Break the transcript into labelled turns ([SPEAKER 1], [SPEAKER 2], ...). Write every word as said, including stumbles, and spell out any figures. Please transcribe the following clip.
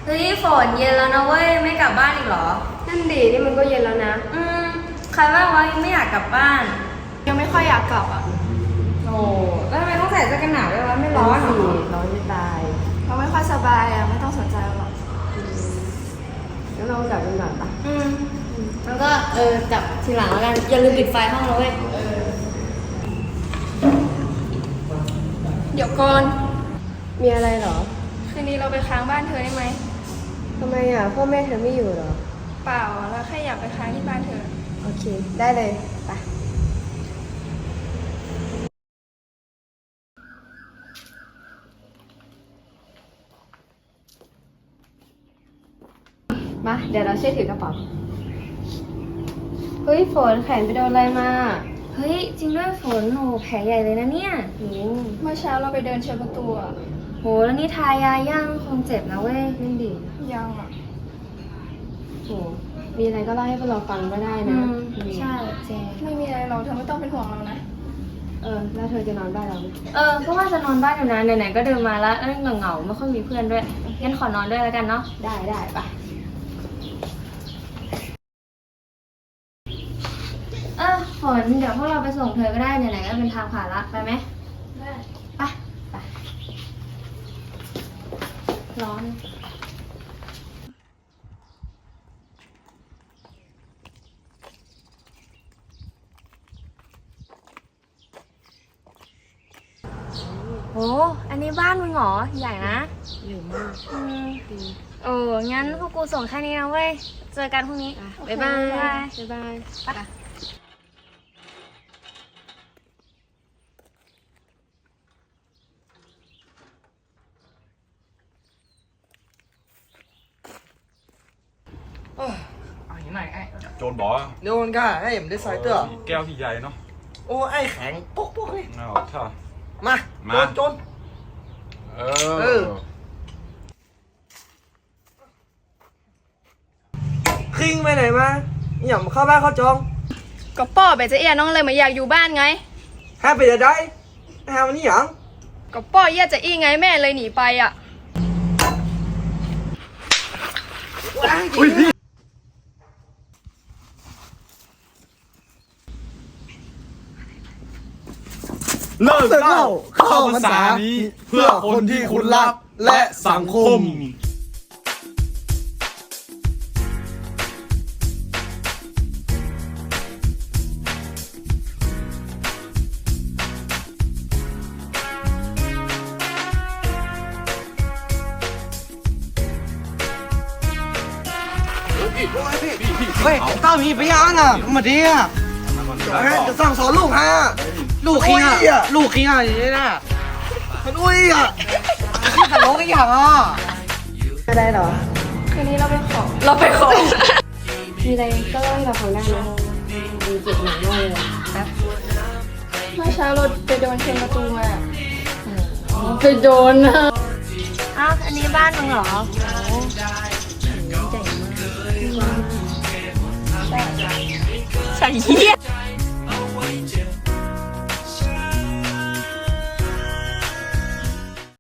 [SPEAKER 1] เฮ้ยฝนเย็นแล้วนะเว้ยไม่กลับบ้านอีกเหรอ
[SPEAKER 2] นั่นดีนี่มันก็เย็นแล้วนะ
[SPEAKER 1] อืมใครว่างวะยังไม่อยากกลับบ้าน
[SPEAKER 2] ยังไม่ค่อยอยากกลับอ่ะ
[SPEAKER 1] โอ้แล้วทำไมต้องใส่เสื้อกันหนาวด้วยวะไม่ร้อนหรอ
[SPEAKER 2] ร้อนจะตายเราไม่ค่อยสบายอ่ะไม่ต้องสนใจหรอกงั้นเรากลับกันก่อนปะ
[SPEAKER 1] อืมแล้วก็เออกลับทีหลังแล้วกันอย่าลืมปิดไฟห้องเราเว้ย
[SPEAKER 2] เดี๋ยวก่อน
[SPEAKER 3] มีอะไรเหรอ
[SPEAKER 2] คืนนี้เราไปค้างบ้านเธอได้ไหม
[SPEAKER 3] ทำไมอ่ะพ่อแม่เธอไม่อยู่เหรอ
[SPEAKER 2] เปล่าเราแค่อยากไปค้างที่บ้านเธอ
[SPEAKER 3] โอเคได้เลยไปมาเดี๋ยวเราช่วยถือกระเป๋าเฮ้ยฝนแขนไปโดนอะไรมา
[SPEAKER 1] เฮ้ยจริงด้วยฝนโหแผลใหญ่เลยนะเนี่ย
[SPEAKER 2] เมื่อเช้าเราไปเดินเชิญประตูอ่ะ
[SPEAKER 1] โหแล้วนี่ทายาย่างคงเจ็บนะเว้ย
[SPEAKER 3] นั่นดิ
[SPEAKER 2] ยังอ่ะ
[SPEAKER 3] โหมีอะไรก็เล่าให้พวกเราฟังก็ได้นะ
[SPEAKER 1] ใช่เจ
[SPEAKER 2] ไม่มีอะไรเราเธอไม่ต้องเป็นห่วงเรานะ
[SPEAKER 3] เออแล้วเธอจะนอนบ้านเราไหม
[SPEAKER 1] เออก็ว่าจะนอนบ้านอยู่นะไหนๆก็เดินมาแล้วเออเหงาๆไม่ค่อยมีเพื่อนด้วยงั้นขอนอนด้วยแล้วกันเนาะ
[SPEAKER 3] ได้ได้ไป
[SPEAKER 1] เออฝนเดี๋ยวพวกเราไปส่งเธอก็ได้ไหนๆก็เป็นทางผ่านละไปไหม
[SPEAKER 2] ได้
[SPEAKER 1] ไปไปร้อนโอ้อันนี้บ้านมึงเหรอใหญ่นะ
[SPEAKER 3] ใหญ่มาก
[SPEAKER 1] อืมโอ้งั้นพวกกูส่งแค่นี้นะเว้ยเจอกันพรุ่งนี้
[SPEAKER 3] บ๊ายบายบ๊ายบาย
[SPEAKER 1] ไป
[SPEAKER 4] เอาอย่างไรไอ้
[SPEAKER 5] โจรบอก
[SPEAKER 4] โดนก่ะไอ้ผมได้สายเตอร์
[SPEAKER 5] แก้วที่ใหญ่เนาะ
[SPEAKER 4] โอ้ไอ้แข็งปุ๊กปุ๊กเลย
[SPEAKER 5] เอาใช่
[SPEAKER 4] มาโจนโจน
[SPEAKER 5] เออ
[SPEAKER 4] คิงไปไหนมาอย่าเข้าบ้านเข้าจอง
[SPEAKER 2] ก็ป้อไปจะเอียน้องเลยมาอยากอยู่บ้านไง
[SPEAKER 4] ฮะไปจะได้ฮะวันนี้หยัง
[SPEAKER 2] ก็ป้อเอียจะอี้ไงแม่เลยหนีไปอ่ะ
[SPEAKER 5] เลิกเล่าเข้าภาษานี้เพื่อคนที่คุณรักและสังคม
[SPEAKER 4] เฮ้ยต้ามีพยานอ่ะมาดิอ่ะจะสั่งสอนลูกฮะลูกขี้อ่ะลูกขี้อ่ะอย่างนี้นะมันอุ้ยอ่ะที่ตลกอีกอย่างอ่ะ
[SPEAKER 3] อะไรเหรอ
[SPEAKER 2] คืนนี้เราไปขอเราไปขอ
[SPEAKER 3] มีอะไรก็เล่าให้เราฟังได้นะมีจุดหนักมากเลยแป๊บ
[SPEAKER 2] เมื่อเช้าเราไปโดนเชิญประตูมา
[SPEAKER 3] ไปโดนนะ
[SPEAKER 1] อ้าวอันนี้บ้านมึงเหรอโอ้ใหญ่มากใช่เหี้ย